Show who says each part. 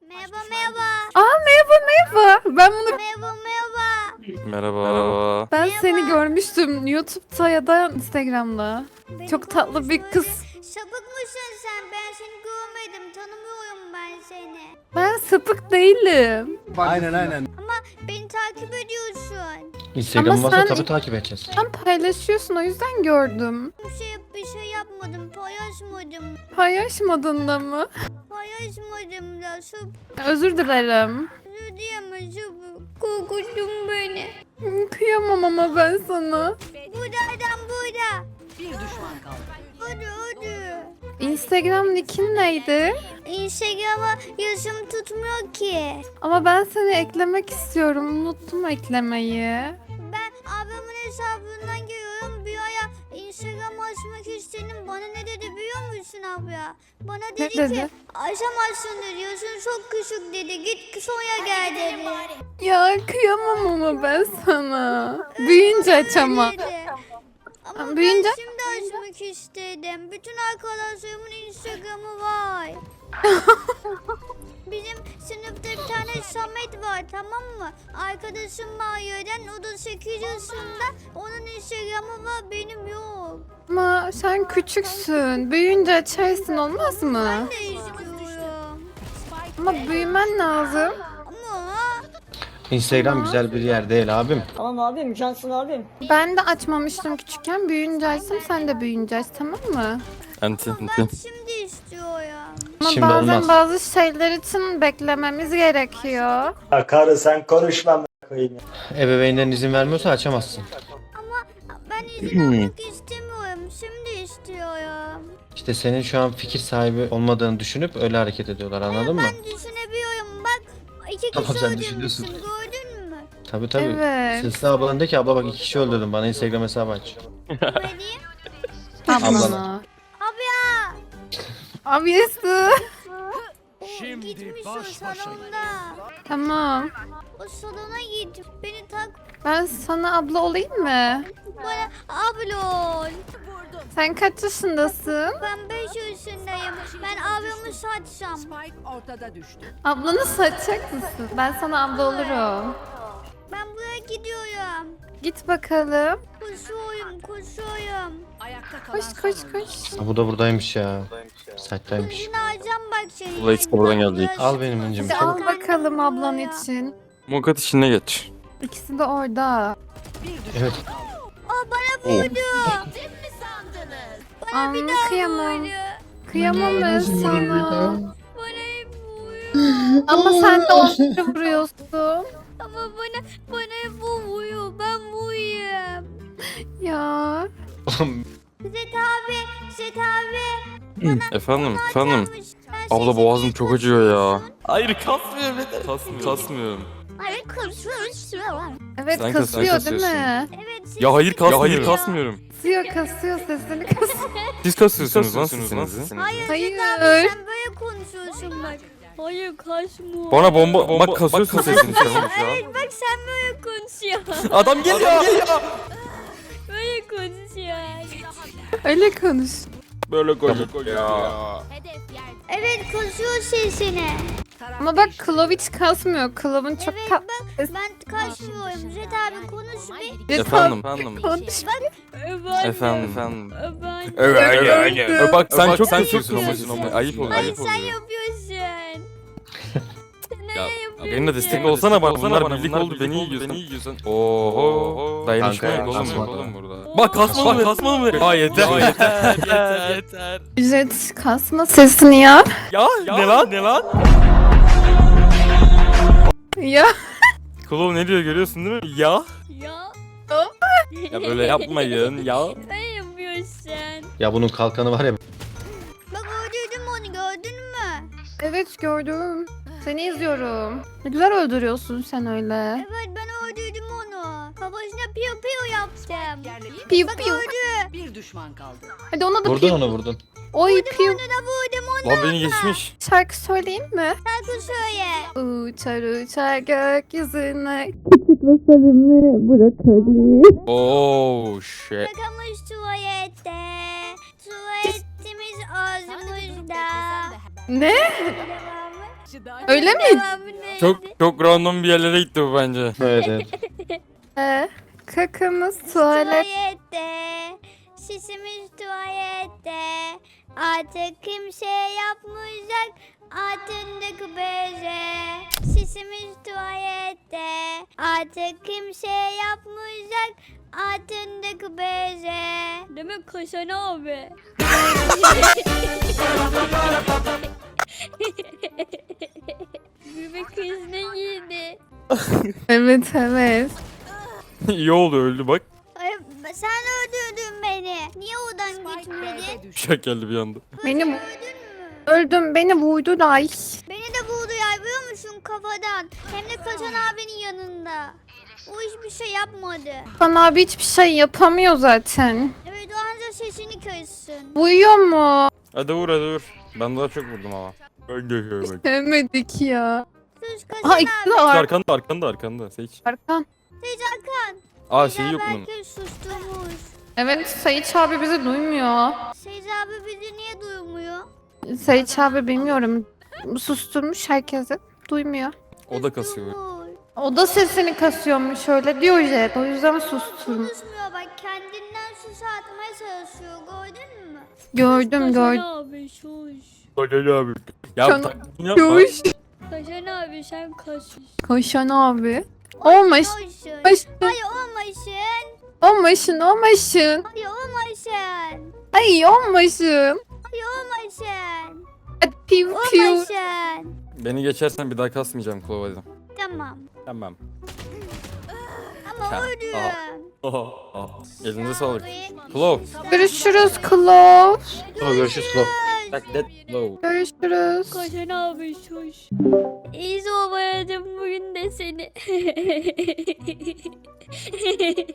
Speaker 1: Merhaba merhaba.
Speaker 2: Merhaba. Ben bunu
Speaker 1: Merhaba merhaba.
Speaker 3: Merhaba.
Speaker 2: ben
Speaker 1: Merhaba.
Speaker 2: seni görmüştüm YouTube'da ya da Instagram'da.
Speaker 1: Beni
Speaker 2: Çok tatlı bir
Speaker 1: görmüş
Speaker 2: kız.
Speaker 1: böyle. Sapık mısın sen? Ben seni görmedim. Tanımıyorum ben seni.
Speaker 2: Ben sapık değilim.
Speaker 4: Aynen.
Speaker 1: Ama beni takip ediyorsun.
Speaker 4: Instagram
Speaker 2: Ama
Speaker 4: varsa
Speaker 2: sen-
Speaker 4: tabii takip edeceğiz.
Speaker 2: Sen paylaşıyorsun o yüzden gördüm.
Speaker 1: Bir şey yapmadım. Paylaşmadım.
Speaker 2: Paylaşmadın da mı?
Speaker 1: Paylaşmadım da.
Speaker 2: Özür dilerim.
Speaker 1: Özür diyemem. Korkuttun beni.
Speaker 2: Kıyamam ama ben sana.
Speaker 1: Burada adam burada.
Speaker 5: Bir düşman kaldı.
Speaker 1: Hadi.
Speaker 2: Instagram nickin neydi?
Speaker 1: Instagram'a yazım tutmuyor ki.
Speaker 2: Ama ben seni eklemek istiyorum. Unuttum eklemeyi.
Speaker 1: Ben ablamın hesabından giriyorum. Bir ara Instagram açmak istedim. Bana ne dedi biliyor musun abla? Bana
Speaker 2: Ne
Speaker 1: dedi
Speaker 2: dedi?
Speaker 1: ki açamazsın dedi. Yaşın çok küçük dedi. Git sonra gel dedi.
Speaker 2: Ya kıyamam ama ben sana. Büyüyünce aç ama.
Speaker 1: Dedi. Ama
Speaker 2: Büyüyünce-
Speaker 1: ben şimdi açmak istedim. Bütün arkadaşlarımın Instagram'ı var. Bizim sınıfta bir tane Samet var, tamam mı? Arkadaşım Maria'dan, o da 8 yaşında. Onun Instagram'ı var, benim yok.
Speaker 2: Ama sen küçüksün. Büyüyünce açarsın olmaz mı?
Speaker 1: Ben de istiyorum.
Speaker 2: Ama büyümen lazım.
Speaker 1: Ama
Speaker 4: Instagram güzel bir yer değil abim.
Speaker 5: Tamam abim, cansın abim.
Speaker 2: Ben de açmamıştım küçükken. Büyüyünce açsam sen de büyüyünce aç, tamam mı?
Speaker 3: Anti.
Speaker 1: ben şimdi istiyorum.
Speaker 2: Ama
Speaker 4: Şimdi
Speaker 2: bazen
Speaker 4: olmaz.
Speaker 2: bazı şeyler için beklememiz gerekiyor.
Speaker 6: Ya karı sen konuşma amına koyayım ya.
Speaker 4: Ebeveynlerin izin vermiyorsa açamazsın.
Speaker 1: Ama ben izin almak istemiyorum, şimdi istiyorum.
Speaker 4: İşte senin şu an fikir sahibi olmadığını düşünüp öyle hareket ediyorlar, anladın mı?
Speaker 1: Ben düşünebiliyorum, bak. İki
Speaker 4: Tamam,
Speaker 1: kişi
Speaker 4: sen
Speaker 1: öldürmüşsün,
Speaker 4: düşünüyorsun.
Speaker 1: gördün mü?
Speaker 4: Tabii.
Speaker 2: Evet.
Speaker 4: Sesli ablan de ki abla bak 2 kişi öldürdüm, bana Instagram hesabı aç.
Speaker 1: Böyle diyeyim.
Speaker 2: Ablana.
Speaker 1: Abi
Speaker 2: Abiyesi.
Speaker 1: o gitmiş o salonda.
Speaker 2: Tamam.
Speaker 1: O salona git. Beni tak.
Speaker 2: Ben sana abla olayım mı?
Speaker 1: Bana ablon.
Speaker 2: Sen kaç yaşındasın?
Speaker 1: Ben 5 yaşındayım. Ben ablamı satsam.
Speaker 5: Spike ortada düştü.
Speaker 2: Ablanı satacak mısın? Ben sana abla olurum.
Speaker 1: Ben buraya gidiyorum.
Speaker 2: Git bakalım.
Speaker 1: Koşuyorum.
Speaker 5: Ayakta kalan
Speaker 2: Koş
Speaker 5: son
Speaker 2: koş.
Speaker 4: Ha, bu da buradaymış ya. Site'daymış.
Speaker 1: Yine alacağım bak seni.
Speaker 3: Bu da ikisi de buradan gelecek.
Speaker 4: Al benim öncüm.
Speaker 2: Hadi al bakalım ablan için.
Speaker 3: Mukat işine geç.
Speaker 2: İkisi de orada.
Speaker 4: Evet.
Speaker 2: Aa,
Speaker 1: Bir daha
Speaker 2: kıyamam.
Speaker 1: vurdu.
Speaker 2: Kıyamam ben sana.
Speaker 1: Bana hep vuruyor.
Speaker 2: Ama sen de onları vuruyorsun.
Speaker 1: Ama bana hep o vuruyor. Ben vurayım.
Speaker 2: Ya.
Speaker 1: Zet abi.
Speaker 3: Efendim.
Speaker 1: Açarmış. Ben
Speaker 3: Abla
Speaker 1: sesini
Speaker 3: boğazım çok acıyor ya.
Speaker 1: kasıyorsun.
Speaker 3: Hayır kasmıyorum. Kasmıyorum.
Speaker 1: Hayır kasıyorsun.
Speaker 2: Evet
Speaker 3: Sen
Speaker 2: kasıyor değil
Speaker 3: kasıyorsun.
Speaker 2: mi?
Speaker 1: Evet.
Speaker 3: Ya hayır kasmıyorum.
Speaker 1: kasmıyorum.
Speaker 3: Hayır kasmıyorum.
Speaker 2: Kasıyor sesini kasıyor.
Speaker 3: Siz kasıyorsunuz lan sesinizi.
Speaker 1: Hayır.
Speaker 2: Hayır.
Speaker 1: Zet abi sen böyle konuşuyorsun bak. Hayır kaçma.
Speaker 3: Bana bomba bak kasıyorsun sesini şu an.
Speaker 1: Evet bak sen böyle konuşuyorsun.
Speaker 3: Adam geliyor.
Speaker 1: Böyle konuşuyorsun.
Speaker 2: Öyle konuş.
Speaker 3: Böyle koyuyor ya.
Speaker 1: Evet kasıyor sesini.
Speaker 2: Ama bak Klov hiç kasmıyor. Klov'un çok
Speaker 1: Evet
Speaker 2: tatlı.
Speaker 1: bak ben kaçmıyorum. Zet abi konuş bir.
Speaker 3: Efendim.
Speaker 2: Konuş.
Speaker 3: Efendim.
Speaker 1: Ben.
Speaker 3: Evet. Bak sen çok kasıyorsun ama ayıp oluyor.
Speaker 1: Hayır
Speaker 3: Ayıp
Speaker 1: sen
Speaker 3: oluyor.
Speaker 1: yapıyorsun.
Speaker 3: Ya benimle destek olsana bak. Bunlar birlik oldu beni yiyorsun. Oho. Dayanışma
Speaker 4: Kanka,
Speaker 3: yok oğlum
Speaker 4: kasma.
Speaker 3: burada. Bak kasmalı mı? Kasmalı mı? Aa yeter. Yeter.
Speaker 2: Ücret kasma sesini ya.
Speaker 3: Ya ne lan? Ne lan?
Speaker 2: Ya.
Speaker 3: Klov ne diyor görüyorsun değil mi? Ya.
Speaker 1: Ya.
Speaker 3: Ya böyle yapmayın ya.
Speaker 1: Sen yapıyorsun.
Speaker 4: Ya bunun kalkanı var ya.
Speaker 1: Bak öldürdüm onu gördün mü?
Speaker 2: Evet gördüm. Seni izliyorum. Ne güzel öldürüyorsun sen öyle.
Speaker 1: Evet ben öldürdüm onu. Kafasına piyo piyo yaptım.
Speaker 5: yerleşti.
Speaker 2: Piu
Speaker 1: Bak
Speaker 2: piu.
Speaker 1: öldü.
Speaker 5: Bir düşman kaldı.
Speaker 2: Hadi ona da
Speaker 4: Vurdun
Speaker 2: piu.
Speaker 4: onu vurdun.
Speaker 2: Oy piu.
Speaker 1: Onu da vurdum onu.
Speaker 3: Lan beni geçmiş.
Speaker 2: Şarkı söyleyeyim mi?
Speaker 1: Şarkı söyle.
Speaker 2: Uçar uçar gökyüzüne. Küçük ve sevimli brokoli.
Speaker 3: Oh shit.
Speaker 1: Bırakılmış tuvalette. Tuvaletimiz ağzımızda.
Speaker 2: Ne?
Speaker 1: Devamı.
Speaker 2: Öyle mi?
Speaker 1: Devamı neydi?
Speaker 3: Çok random bir yerlere gitti bu bence.
Speaker 4: Evet evet.
Speaker 2: Kakamız tuvalet.
Speaker 1: Tuvalette, sisimiz tuvalette. Artık kimse yapmayacak altındaki beze. Sisimiz tuvalette, artık kimse yapmayacak altındaki beze. Demek Kaşan abi. Bebek krizine girdi.
Speaker 2: Evet evet.
Speaker 3: İyi oldu öldü bak.
Speaker 1: Ay, sen öldürdün beni. Niye odan
Speaker 5: Spike
Speaker 1: gitmedin?
Speaker 5: B'de düştü.
Speaker 3: Şak geldi bir anda.
Speaker 2: Beni
Speaker 1: Öldün mü?
Speaker 2: öldüm, beni vurdu da ay.
Speaker 1: Beni de vurdu ya biliyor musun kafadan. Hem de Kaşan abinin yanında. O hiçbir şey yapmadı.
Speaker 2: Hakan abi hiçbir şey yapamıyor zaten.
Speaker 1: Evet o anca sesini kıssın.
Speaker 2: Uyuyor mu?
Speaker 3: Hadi vur hadi vur. Ben daha çok vurdum ama. Ben geçiyorum bak.
Speaker 2: Sevmedik ya.
Speaker 1: Sus Kaşan
Speaker 2: Aha
Speaker 1: abi.
Speaker 2: ikisi de var.
Speaker 3: Arkanda Seç.
Speaker 2: Arkan.
Speaker 1: Seyit Hakan.
Speaker 3: Aa şey yok bunun.
Speaker 1: Belki susturmuş.
Speaker 2: Evet Sayıç abi bizi duymuyor.
Speaker 1: Seyit abi bizi niye duymuyor?
Speaker 2: Sayıç abi bilmiyorum. Susturmuş herkesi. Duymuyor.
Speaker 3: O da kasıyor.
Speaker 1: Susturmuş.
Speaker 2: O da sesini kasıyormuş öyle diyor Jet. O yüzden susturmuş.
Speaker 1: Konuşmuyor bak kendinden sus atmaya çalışıyor gördün mü?
Speaker 2: Gördüm gördüm.
Speaker 1: abi sus.
Speaker 3: Hadi abi. Ya
Speaker 2: Can-
Speaker 3: taklidini yapma.
Speaker 2: Yoş.
Speaker 1: Kaşan abi sen kaşın.
Speaker 2: Koşan abi. Olmaş.
Speaker 1: Olmasın.
Speaker 2: Olmasın.
Speaker 1: Hayır olmasın.
Speaker 2: Olmasın. Olmasın.
Speaker 1: Hayır olmasın.
Speaker 2: Ay olmasın.
Speaker 1: Hayır olmasın.
Speaker 2: Hadi piu piu.
Speaker 1: Olmasın.
Speaker 3: Beni geçersen bir daha kasmayacağım Klov hadi.
Speaker 1: Tamam.
Speaker 3: Tamam.
Speaker 1: Ama
Speaker 3: Ya,
Speaker 1: öldüm.
Speaker 3: Elinize sağlık.
Speaker 1: Abi.
Speaker 3: Klov.
Speaker 2: Görüşürüz Klov.
Speaker 4: Tamam görüşürüz Klov.
Speaker 3: Like that Klov.
Speaker 2: Görüşürüz.
Speaker 1: Kaşan abi sus. İyi soğumayacağım bugün de seni.